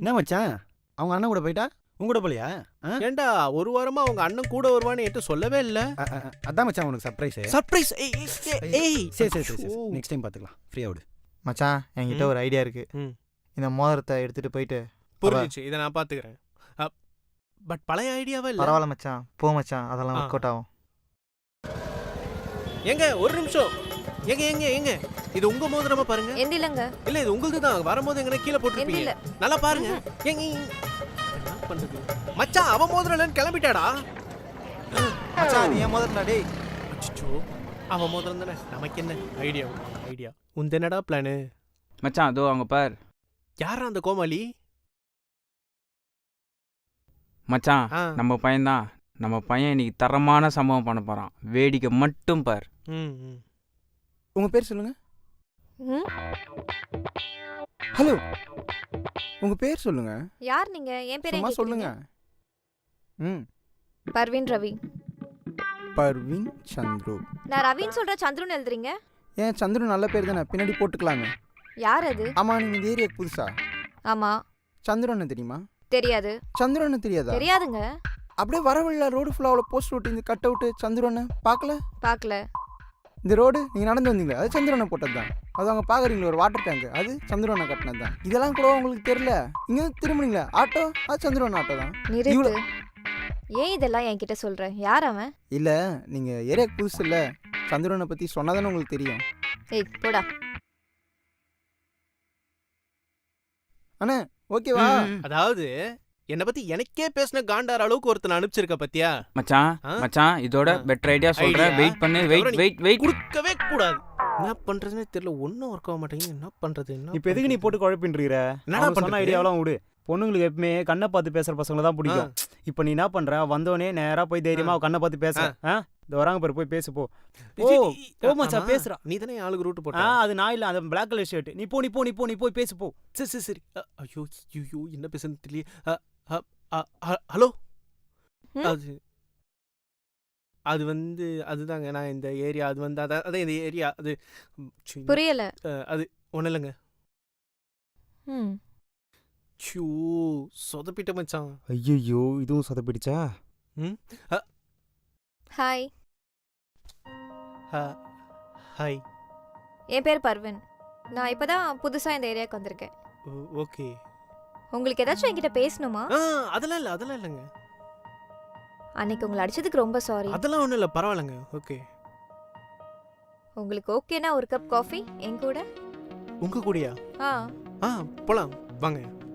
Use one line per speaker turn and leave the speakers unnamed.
என்ன மச்சான் அவங்க அண்ணன் கூட போயிட்டா உங்க கூட போலியா?
ஏண்டா ஒரு வாரமா அவங்க அண்ணன் கூட வருவான்னு என்கிட்ட சொல்லவே இல்ல.
அதான் மச்சான் உனக்கு சர்ப்ரைஸ்.
சர்ப்ரைஸ்.
சரி நெக்ஸ்ட் டைம் பார்த்துக்கலாம். ஃப்ரீயா விடு
மச்சான். என்கிட்ட ஒரு ஐடியா இருக்கு. இந்த மோதிரத்தை எடுத்துட்டு போயிட்டு.
புரிஞ்சிச்சு, இதை நான் பார்த்துக்கிறேன். பட் பழைய ஐடியாவே இல்லை.
பரவாயில்ல மச்சான், போ மச்சான், அதெல்லாம் ஒர்க் அவுட் ஆகும்.
எங்க ஒரு நிமிஷம். எங்க எங்க எங்க இது உங்க மோதிரமா பாருங்க.
எந்திலங்க.
இல்ல இது உங்களுக்கு தான். வரும்போது எங்க கீழ போட்டுருப்பீங்க. நல்லா பாருங்க. எங்க என்ன பண்றது மச்சான்? அவ மோதிரம் இல்லன்னு கிளம்பிட்டாடா.
மச்சான் நீ ஏன் மோதிரம்டா டேய்?
அச்சோ அவ மோதிரம் தானே. நமக்கு என்ன ஐடியா? உன் என்னடா பிளானு
மச்சான்? அதோ அங்க பார்.
யாரா அந்த கோமாளி?
மச்சான் நம்ம பையன்தான். நம்ம பையன் இன்னைக்கு தரமான சம்பவம் பண்ண போறான். வேடிக்கை மட்டும் பார்.
உங்க பேர் சொல்லுங்க. ஹலோ உங்க பேர் சொல்லுங்க.
யார் நீங்க? என் பேர்
சும்மா சொல்லுங்க.
பர்வீன் ரவி.
பர்வீன் சந்துரு.
நான் ரவின்னு சொல்ற சந்துருன்னு எழுதுறீங்க.
ஏன் சந்துரு நல்ல பேர் தானே, பின்னாடி போட்டுக்கலாமே.
யார் அது?
ஆமா நீங்க இந்த ஏரியாக்கு புதுசா?
ஆமா.
சந்துரு அண்ணன் தெரியுமா?
தெரியாது.
சந்துரு அண்ணன் தெரியாதா?
தெரியாதுங்க.
அப்படியே வரவில்லை ரோடு ஃபுல்லாக அவ்வளோ போஸ்ட் ஓட்டி இந்த கட் அவுட்டு சந்துரு அண்ணன் பார்க்கல. இந்த ரோடு நீங்கள் நடந்து வந்தீங்களே அது சந்துரு அண்ணன் போட்டது தான். அது அவங்க பார்க்குறீங்களா ஒரு வாட்டர் டேங்க், அது சந்துரு அண்ணன் கட்டினது தான். இதெல்லாம் கூட உங்களுக்கு தெரியல. இங்கே திரும்பினீங்களா ஆட்டோ, அது சந்துரு அண்ணன் ஆட்டோ தான்.
நிறுத்து. ஏன் இதெல்லாம் என்கிட்ட சொல்ற? யார் அவன்?
இல்லை நீங்கள் ஏரியாக்கு புதுசு இல்லை, சந்துரு அண்ணனை பற்றி சொன்னாதானே உங்களுக்கு தெரியும்.
ஏய் போடா.
அண்ணே ஓகேவா?
அதாவது என்ன பத்தி எனக்கே பேசின காண்டார அளவுக்கு ஒருத்தன் அனுப்பிச்சிருக்க பத்தியா
மச்சான்? இதோட பெட்டர் ஐடியா சொல்றேன். வெயிட் பண்ணு. வெயிட்
கொடுக்கவே கூடாது. என்ன பண்றதுன்னு தெரியல. ஒன்னும் ஒர்க் ஆக மாட்டேங்குது. என்ன பண்றது?
இப்போ எதுக்கு நீ போட்டு குழப்பின்றீர?
என்னடா பண்ண
ஐடியாவெல்லாம் விடு. பொண்ணுங்களுக்கு எப்பவுமே கண்ணை பார்த்து பேசுற பசங்களை தான் பிடிக்கும். இப்போ நீ என்ன பண்ற? வந்தோடனே நேரா போய் தைரியமா கண்ணை பார்த்து பேச. இந்த வராங்க பாரு, போய் பேசு போ. ஓ மச்சான் பேசுறா.
நீ தானே ஆளுக்கு ரூட் போட்ட.
அது நான் இல்ல, அந்த பிளாக் கலர் ஷர்ட். நீ போய் பேசு போ.
சரி. ஐயோ என்ன பேசுன்னு தெரியல. ஹலோ. அது வந்து அதுதாங்க நான் இந்த ஏரியா. அது வந்து அதான் இந்த ஏரியா. அது
புரியல.
அது ஒன்றும் இல்லைங்க. சொதப்பிட்ட மச்சான்.
ஐயோ இதுவும் சொதப்பிடுச்சா?
ஹாய்.
ஹாய்.
என் பேர் பர்வீன். நான் இப்பதான் புதுசா இந்த ஏரியாவுக்கு வந்திருக்கேன்.
ஓகே.
உங்களுக்கு ஏதாச்சும் என்கிட்ட பேசணுமா?
அதெல்லாம் இல்லைங்க.
அன்னைக்கு உங்களை அடிச்சதுக்கு ரொம்ப சாரி.
அதெல்லாம் ஒன்றும் இல்லை, பரவாயில்லைங்க. ஓகே.
உங்களுக்கு ஓகேனா ஒரு கப் காஃபி என் கூட?
உங்க கூடயா? போலாம் வாங்க.